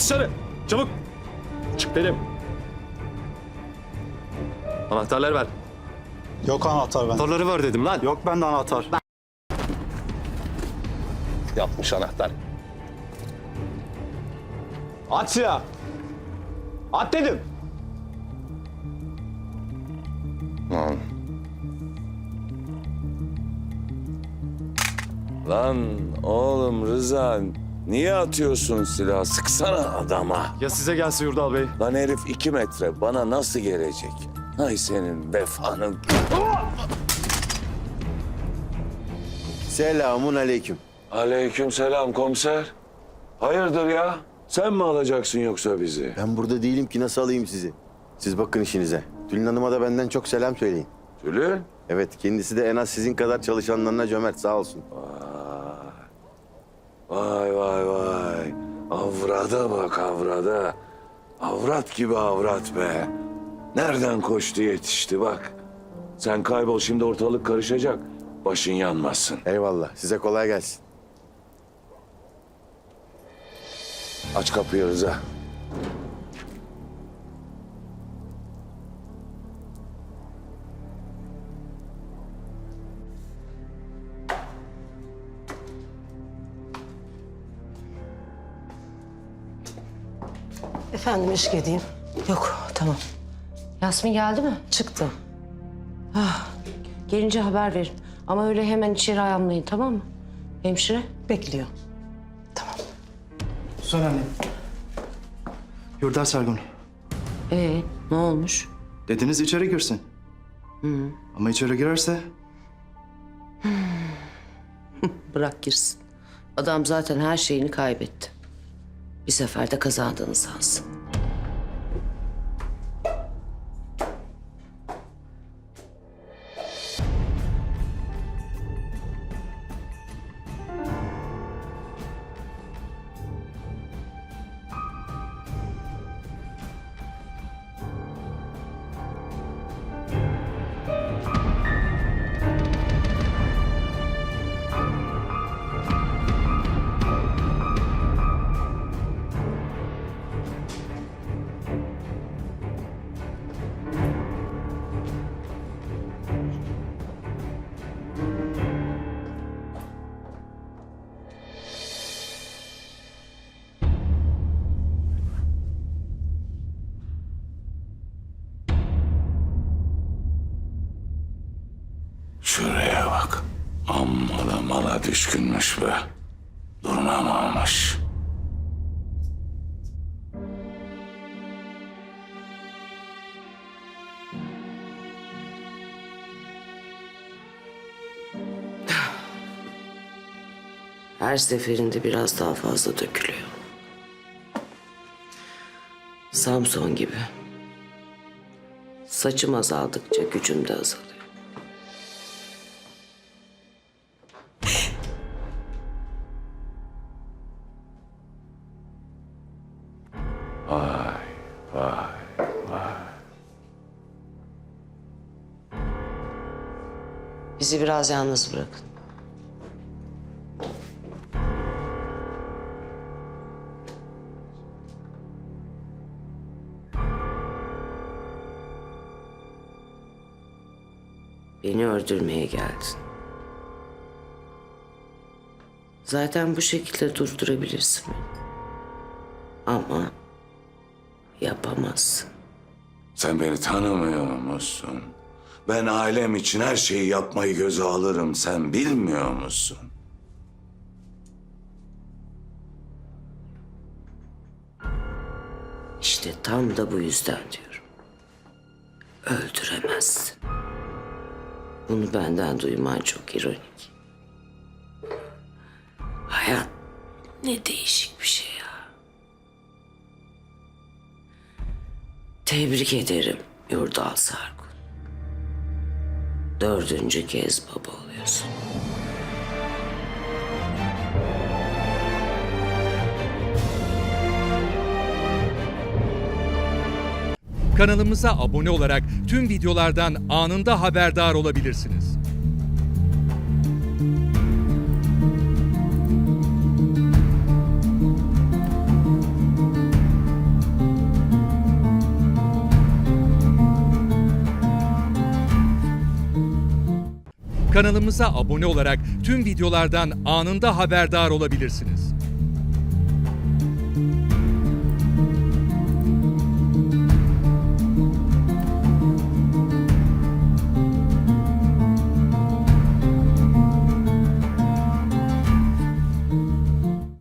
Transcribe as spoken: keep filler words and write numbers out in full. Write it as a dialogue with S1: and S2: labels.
S1: dışarı. Çabuk. Çık dedim. Anahtarları ver.
S2: Yok anahtar ben.
S1: Anahtarları ver dedim lan.
S2: Yok bende anahtar.
S1: Yapmış anahtar. At silahı. At dedim.
S3: Lan. Lan oğlum Rıza, niye atıyorsun silahı? Sıksana adama.
S1: Ya size gelse Yurdal Bey?
S3: Lan herif iki metre, bana nasıl gelecek? Ay senin vefanın.
S4: Selamun aleyküm.
S3: Aleykümselam komiser. Hayırdır ya? Sen mi alacaksın yoksa bizi?
S4: Ben burada değilim ki nasıl alayım sizi? Siz bakın işinize. Tülin Hanım'a da benden çok selam söyleyin.
S3: Tülin?
S4: Evet, kendisi de en az sizin kadar çalışanlarına cömert, sağ olsun.
S3: Vay vay vay. Avrada bak avrada. Avrat gibi avrat be. Nereden koştu yetişti bak. Sen kaybol, şimdi ortalık karışacak. Başın yanmasın.
S4: Eyvallah, size kolay gelsin.
S3: Aç kapıyı Rıza.
S5: Efendim eşlik edeyim. Yok tamam.
S6: Yasmin geldi mi?
S5: Çıktı.
S6: Gelince haber verin. Ama öyle hemen içeri ayamlayın, tamam mı? Hemşire?
S5: Bekliyor.
S7: Söyle anne. Yurdar Sargun.
S6: Ee, ne olmuş?
S7: Dediniz içeri girsin. Ama içeri girerse
S6: Bırak girsin. Adam zaten her şeyini kaybetti. Bir seferde kazandığını sansın.
S3: Şuraya bak. Amma da mala düşkünmüş be. Durmamamış.
S6: Her seferinde biraz daha fazla dökülüyor. Samson gibi. Saçım azaldıkça gücüm de azalıyor.
S3: Vay vay vay.
S6: Bizi biraz yalnız bırakın. Beni öldürmeye geldin. Zaten bu şekilde durdurabilirsin beni. Ama yapamazsın.
S3: Sen beni tanımıyor musun? Ben ailem için her şeyi yapmayı göze alırım. Sen bilmiyor musun?
S6: İşte tam da bu yüzden diyorum. Öldüremezsin. Bunu benden duyman çok ironik. Hayat ne değişik bir şey ya. Tebrik ederim Yurdal Sargun. Dördüncü kez baba oluyorsun.
S8: Kanalımıza abone olarak tüm videolardan anında haberdar olabilirsiniz. Kanalımıza abone olarak tüm videolardan anında haberdar olabilirsiniz.